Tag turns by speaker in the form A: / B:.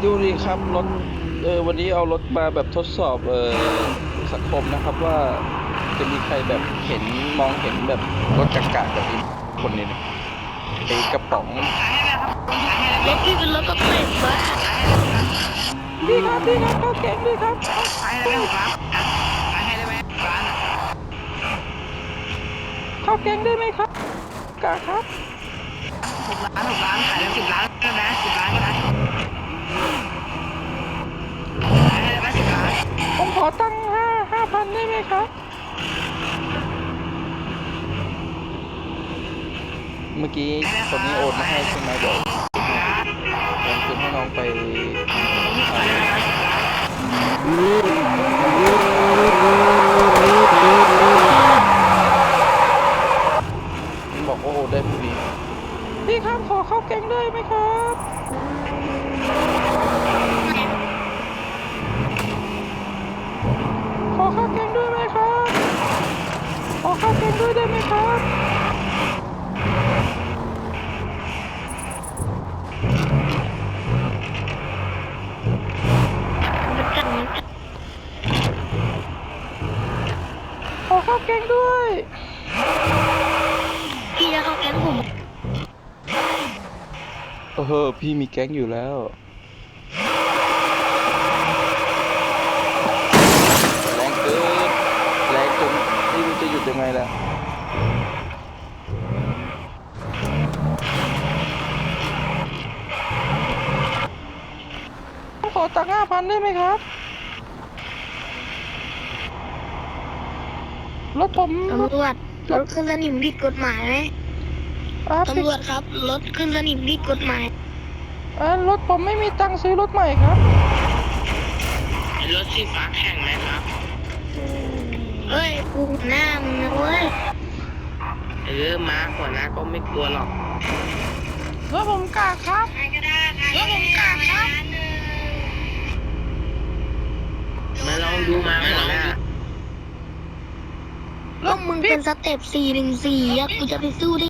A: ดูดิครับรถวันนี้เอารถมาแบบทดสอบสังคมนะครับว่าจะมีใครแบบมองเห็นแบบรถกากาแบบนี้คนนี้นะไอ้กระป๋อง
B: รถพี่เป็นรถกระเป๋วะ
A: ดีครับดีครับเข้าแก๊งดีครับ
C: ขายให้ได้6 ล้านขายให้ได้ไหมร้าน
A: เข้าแก๊งได้ไหมครับกาครับ
C: 6 ล้านขายได้10 ล้านได้ไหม10 ล้านก็ได้ขายให้ได้ไหม10 ล้าน
A: ผมขอตังค์5,000ได้ไหมครับเมื่อกี้คนนี้โอนมาให้ใช่ไหมเดี๋ยวโอนคืนให้น้องไปบอกว่าโอนได้พอดีพี่ครับขอเข้าแก๊งได้ไหมครับขอเข้าแก๊งด้วยไหมครับขอเข้าแก๊งด้วยได้ไหมครับขอเข้าแก๊งด้วย
B: พี่จะเข้าแก๊งผม
A: พี่มีแก๊งอยู่แล้วแรงเกินแรงจนไม่รู้จะหยุดยังไงแล้วขอตังค์5,000ได้ไหมครับรถผม
B: ตำรวจรถขึ้นสนิมผิดกฎหมายไหมตำรวจครับรถขึ้นสนิมผิดกฎหมาย
A: รถผมไม่มีตังค์ซื้อรถใหม่ครับ
C: รถสีฟ้าแข่งไหมครับ
B: เฮ้ยกูหน้ามึงนะเว้ย
C: ม้าหัวหน้าก็ไม่กลัวหรอก
A: รถผมกากครับรถผมกากครับ
C: มาลองดูมาหัวหน้า
B: ก็มึงเป็นสเต็ป414อะกูจะไปสู้ได้